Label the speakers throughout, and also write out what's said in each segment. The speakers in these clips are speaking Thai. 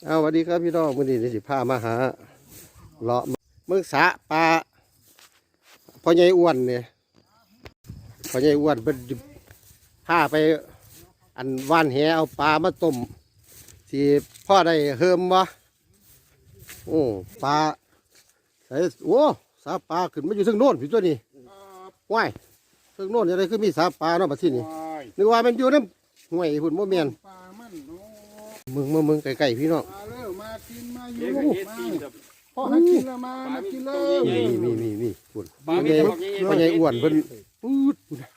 Speaker 1: เอาสวัสดีครับพี่น้องมื้อนี้สิพามาหาเลาะเมืองสะปลาพ่อใหญ่อ้วนเนี่ยพ่อใหญ่อ้วนเป็นพาไปอันว่านแหเอาปลามาต้มสิพ่อได้เฮิมวะโอ้ปลาใส่โอ้สาปลาขึ้นมาอยู่ซึ่งโน่นพี่ตัวนี้ว้ายซึ่งโน่นอะไรคือมีสาปลาเนาะบัดนี้นึกว่ามันอยู่น้ำห่วยหุ่นโมเมียนมึงไก่พี่น้อง
Speaker 2: มาเร็วมากินมาอยู่มาพ่อให้กินแล้วมากินเลย
Speaker 1: มีคุณพ่อใหญ่อ้วนเพิ่นปื๊ด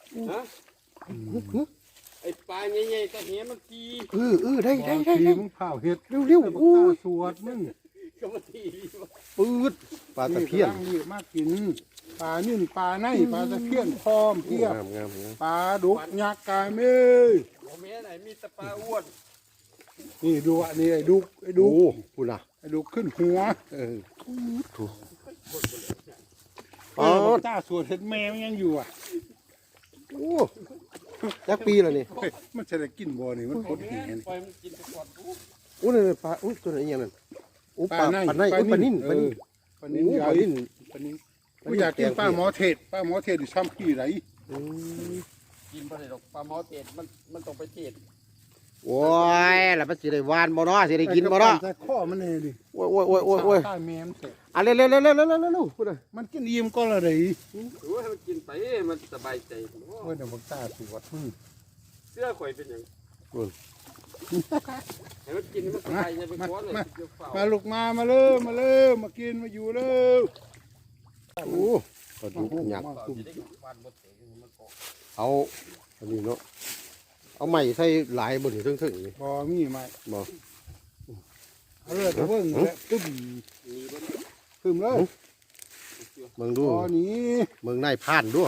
Speaker 3: ไอ้ปลาใหญ่ๆตะเหียมันตี
Speaker 1: ได้
Speaker 2: มึงเผาเห็ด
Speaker 1: เร็ว
Speaker 2: อู้สวดมึง
Speaker 3: ก็มาตี
Speaker 1: ปื๊ดปลาตะเพียน
Speaker 2: มากินปลานิ่นปลาในปลาตะเพียนพร้อมเพียบปลาดุกยักษ์กายเมย์
Speaker 3: โอ้แม่ไหนมีตะปลาอ้วน
Speaker 2: นี่ดูอันนี้ไอ้ดุ
Speaker 1: พูดนะ
Speaker 2: ไอ้ดุขึ้นหัว
Speaker 1: ถูก
Speaker 2: จ้าสวดเห็ดแม่มันยังอยู่อ่ะ
Speaker 1: โอ้ยักปีแล้วนี่
Speaker 2: มันจะได้กินบ่อนี่มันคดเห็น
Speaker 1: โอ้เนี่ยปลาโอ้ตัวไหนอย่างนั้นโอ้ปลานิ่น
Speaker 2: กูอยากกินปลาหมอเทศอยู่ซ้ำขี้ไร
Speaker 3: กินไปเลยหรอกปลาหมอเทศมันต้องไปเทศ
Speaker 1: โอ้ยแล้วมันสิได้หวานบ่เนาะสิได้กินบ่เนาะ
Speaker 2: ข้อมันเลยดิ
Speaker 1: โอ้ย
Speaker 2: ตายแม่มเสร็จ
Speaker 1: เร็วพูดเลย
Speaker 2: มันกินอิ่มก็ละดิ
Speaker 3: โอ้ยมันกินไปมันสบายใจ
Speaker 2: เฮ้ยเดี๋ยวมันตาสวดมึง
Speaker 3: เสื้อข่อยเป็นอย่างให้มันกินมันสบายใจไปก้อนเลย
Speaker 2: มาลูกมาเร็วมากินมาอยู่เร็ว
Speaker 1: โอ้ปลาดุกหยักเอาอันนี้เนาะเอาไม้ใส่หลายบนถึงนี่
Speaker 2: บ่มีไม้
Speaker 1: บ่
Speaker 2: เอาเลยเพิ่งเลยตึ้มเลย
Speaker 1: มึงดู
Speaker 2: นี่
Speaker 1: มึงนายผ่านด้วย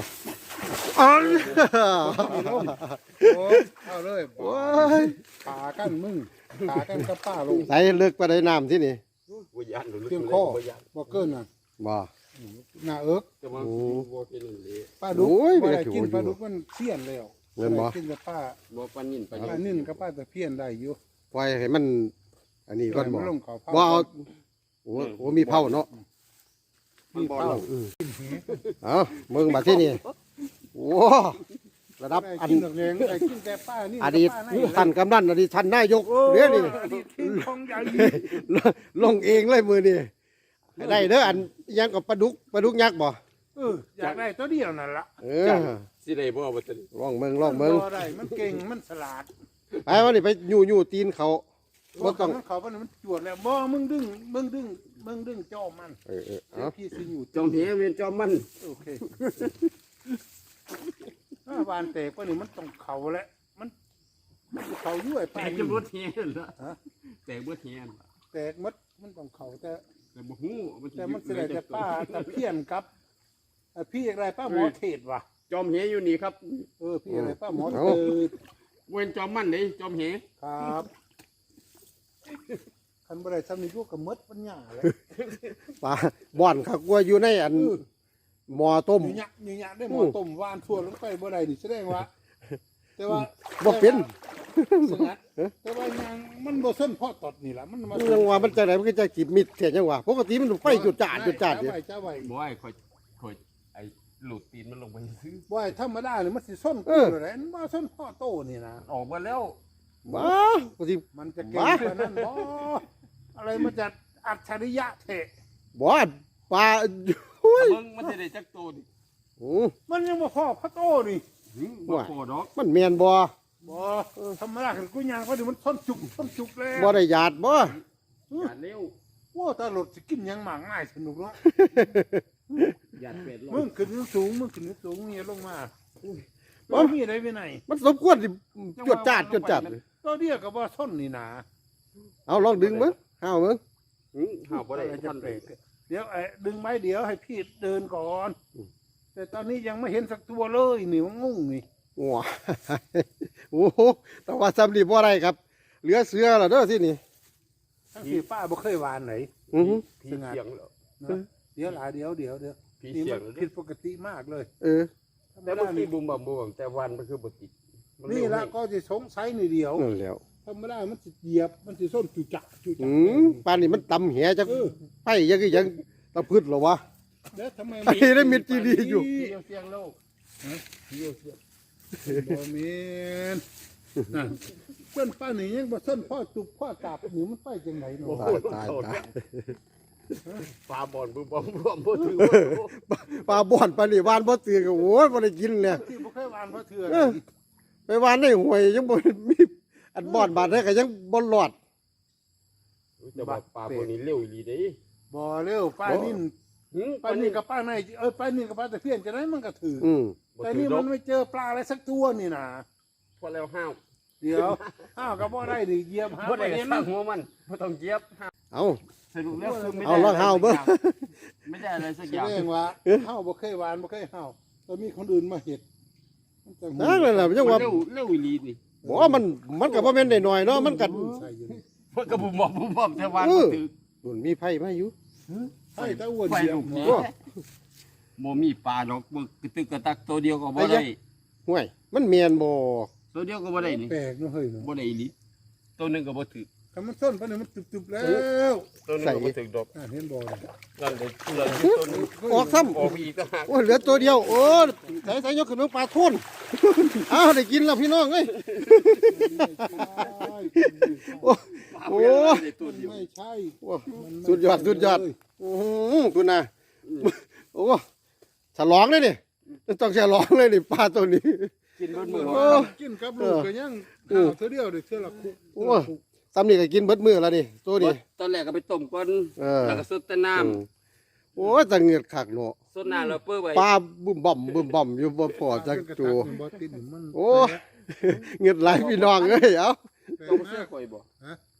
Speaker 2: เอาเลยขากันมึงขากันกับป้าลง
Speaker 1: ใส่เลือกไปได้น้ำที่นี่
Speaker 2: เพียงข้อบ่เกินน่ะ
Speaker 1: บ่
Speaker 2: หน้าเอิกป้าดุกไม่ได้กินป้าดุกมันเสี้ยนแล้ว
Speaker 1: เงินบ่
Speaker 2: กินกับป้า
Speaker 3: ปลานิ่
Speaker 2: นกับป้าตะเพียนได้อยู่
Speaker 1: ปล่อยให้มันอันนี้ก่อนบ่ว่าเอาโอ้มีเผาเนาะ
Speaker 2: มีเผา
Speaker 1: เอามึงมาที่นี่โอ้ระดับอันอดีตท่านกำนันอดีตท่านนายกเรื่องนี้ลงเองเลยมือนี่ได้เด้ออันยังกับปลาดุกยักษ์บ่
Speaker 2: อยากได้ตัวเดียวนั่นละ
Speaker 3: สิได้บ่บ่ตัน
Speaker 1: ลองเมือง
Speaker 2: ได้มันเก่งมันฉลาด
Speaker 1: ไปวันนี้ไปอยู่ตีนเขา
Speaker 2: บ่ต้องเขามันจวดแล้วบ่มึงดึงจอมมันพี่สิอยู่
Speaker 3: จอมเหเวียนจอมมัน
Speaker 2: โอเคบานแตกว่านี่มันต้องเขาแล้วมันเขายุ่ยไป
Speaker 3: แตกจะบ่เทียนละแตกบ่เทียน
Speaker 2: แตกมันต้องเขาแต่
Speaker 3: บ่ฮู้
Speaker 2: แต่มันสิได้แต่ป้าตะเพียนกับพี่อะไรป้าหมอเทศวะ
Speaker 3: จอมเหอยู่นี่ครับ
Speaker 2: พี่อะไรป้าหมอเทศ
Speaker 3: เว้นจอมมันนี่จอมเห
Speaker 2: ครับคันบ่ได้ซ้ำนี่พวกกับมดปัญญาเลย
Speaker 1: ปลาบ่อนครับว่าอยู่ในอันหม้อต้ม
Speaker 2: เนี่ยได้หม้อต้มวานทั่วลงไปบ่ได้นี่แสดงว่าแต่ว่า
Speaker 1: บ่เป็น
Speaker 2: แต่ว่ายังมันบ่เส้นพอตดนี่ล่ะมัน
Speaker 1: ยังว่ามันจะไหนมันก็จะกิบมิดแค่จังหวะปกติมันไฟจุดจ่าอยู่
Speaker 3: บ่ให้ค่อยไอ้หลุดตีนมันลงไปซื้อ
Speaker 2: บ่ให้ธรรมดานี่มันสิส้นกูเลยมันบ่ส้นพ่อโตนี่นะ
Speaker 3: ออกมาแล้ว
Speaker 1: บ้าปกติ
Speaker 2: มันจะเก่งกว่านั้นบ่อะไรมันจะอัจฉริยะเถะ
Speaker 1: บ่ปลา
Speaker 3: มันจะได้จักโตดิ
Speaker 2: มันยังบ่พอพระโตนี่
Speaker 3: บ่พอดอก
Speaker 1: มันแม่นบ่
Speaker 2: ธรรมดาคือกูย่างก็ดิมันส้นจุกแล้ว
Speaker 1: บ่ได้หยาดบ่
Speaker 3: หยาดเร็ว
Speaker 2: ว่าตลอดสิกินยังหมากง่ายสนุกเนาะ
Speaker 3: หยาดเป็ด
Speaker 2: มึงขึ้นสูงนี่ลงมาบ่มีอะไรไปไหน
Speaker 1: มันสมควรสิจวดจัด
Speaker 2: ตัวเดียวกับว่าส้นนี่นะ
Speaker 1: เอาลองดึงมั้งห้าวมั้ง
Speaker 3: ห้าวบ่ได้
Speaker 2: จะเบรกเดี๋ยวดึงไม้เดี๋ยวให้พี่เดินก่อนแต่ตอนนี้ยังไม่เห็นสักตัวเลยนี่มันงงนี่
Speaker 1: ว้าโอ้โหแต่ว่าซ้ำดีเพราะอะไรครับเหลือเสือเหรอเด้อที่นี่
Speaker 2: ทั้งที่ป้าบ่เคยวานไหน
Speaker 3: พี่เสียงเหรอ
Speaker 2: เดี๋ยวนี่มันผิดปกติมากเลย
Speaker 3: แต่เมื่อกี้บุ่มแต่วันมันคือบ่ติด
Speaker 2: นี่ละก็จะสงสัยนี่เดียว
Speaker 1: นั่นแล้ว
Speaker 2: ธรรมดามันสิเหยียบมันสิส้นจุจักจุจัก
Speaker 1: ปานนี้มันตำแหจักไปยังตะพืชเหรอวะ
Speaker 2: แล้วทำไม
Speaker 1: ไอ้ได้มิดจีดีอยู่
Speaker 3: เที่ยวเสียงโลก
Speaker 2: เที่ยวเสียบ่แม่นนั่นเพื่อนป้านี่ยังบ่ส้นพ่อตุบพ่อกาบนี่มันไปจังไดเนาะ
Speaker 1: ตาย
Speaker 3: ปลาบอลบึ้มบ่บ่ถือ
Speaker 1: ปลาบ่อนปลานี่วานบ่เตือก็โอ้ยบ่ได้กินเนี่ย
Speaker 2: ที่บ่เคยวานเพราะเถื่อ
Speaker 1: ไปวานในห้วยยังบ่มีอันบ่อนบาดได้ก็ยังบ่รอด
Speaker 3: แต่ว่าปลาพวกนี้เร็วอีหลีเด้
Speaker 2: บ่เร็วป้านิ่นป้านิ่นกับป้าในป้านิ่นกับป้าตะเพียนจะได้มันก็ถือ แต่นี่มันไม่เจอปลาอะไรสักตัวนี่นะ
Speaker 3: พอแล้วห้าว
Speaker 2: เดี๋ยวอ้าวก็บ่ได้ดิเหยียบหา
Speaker 3: บ่ได้
Speaker 2: เห็น
Speaker 3: สร้างหัวมันบ่ต้องเจี๊ยบ
Speaker 1: เอา
Speaker 3: สรุปแล้วคือไม่ได้
Speaker 1: เอาลองห้าวเบิ่ง
Speaker 3: ไม่ได้อะไรสัก
Speaker 2: แส
Speaker 3: อย่าง
Speaker 2: ดงว่าเฮาบ่เคยวานบ่เคยเฮาแต่มีคนอื่นมาเฮ็ดมันจัง
Speaker 1: นั่นแหละยังว่า
Speaker 3: เร็วอีหลีนี่
Speaker 1: บ่มันก็บ่แม่นได้น้อยเนาะมันก็
Speaker 2: ใส่อยู่นี่
Speaker 3: มันก็บุ่มบ่แต่วานบ่ถือ
Speaker 1: นู่นมีไผมาอยู่
Speaker 2: ไอ้ตะอ้วน
Speaker 3: ไฟ
Speaker 2: เหยีย
Speaker 3: ลู
Speaker 2: บ
Speaker 3: ก
Speaker 2: หั
Speaker 3: นี้
Speaker 2: ว
Speaker 3: บ่มีปลาดอกบ่กระตึกกระตักตัวเดียวก็บ่ได้
Speaker 1: ห่วยมันแม่นบ่
Speaker 3: ตัวเดียวก็บ่ได้นี่
Speaker 2: แปลกเนาะเฮ้ยเนาะ
Speaker 3: บ่ได้อีหลีตัวหนึงก็บ่ถือ
Speaker 2: ถ้ามันส้นปานนี้มันตึบๆแล้ว
Speaker 3: ตัวหนึงก็บ่ถือดอก
Speaker 2: เห็นบ่ล่ะ
Speaker 3: นั่นเลยเหลืออยู่ตัวหนึง
Speaker 1: ออกซ้ำ
Speaker 3: ออกอีกต่างหาก
Speaker 1: โอ้ยเหลือตัวเดียวโอ้ใส่ยกขึ้นมาปลาทุ่น อ้าวได้กินแล้วพี่น้องเอ้ยโอ้
Speaker 3: โอ้ยตัวเดียว
Speaker 2: ไม่ใช่
Speaker 1: สุดยอดอื้อหือคุณน่ะโอ้ฉลองเลยนี่ต้องฉลองเลยนี่ปลาตัวนี้
Speaker 3: กินเบิดมื้อ
Speaker 1: โอ้
Speaker 2: กินกับลูกก็ยังข้าวเท่าเดียวเด้เท่าละคุก
Speaker 1: โอ้ซ้ำนี่ก็กินเบิดมื้อแล้วนี่ตัวนี้
Speaker 3: ตอนแรกก็ไปต้มก่อน
Speaker 1: เออ
Speaker 3: แล้วก็สดแต่น้ำ
Speaker 1: โอ้ยจังเงือกคักเนาะ
Speaker 3: สดน้ำแล้วเปิ้ลไว้
Speaker 1: ปลาบึ้มบ่มอยู่บ่พอจักจู
Speaker 2: บ่ติดมัน
Speaker 1: โอ้เงือกหลายพี่น้องเอ้ยเอ้า
Speaker 3: ต้องเสื้อข่อยบ่
Speaker 2: ฮะ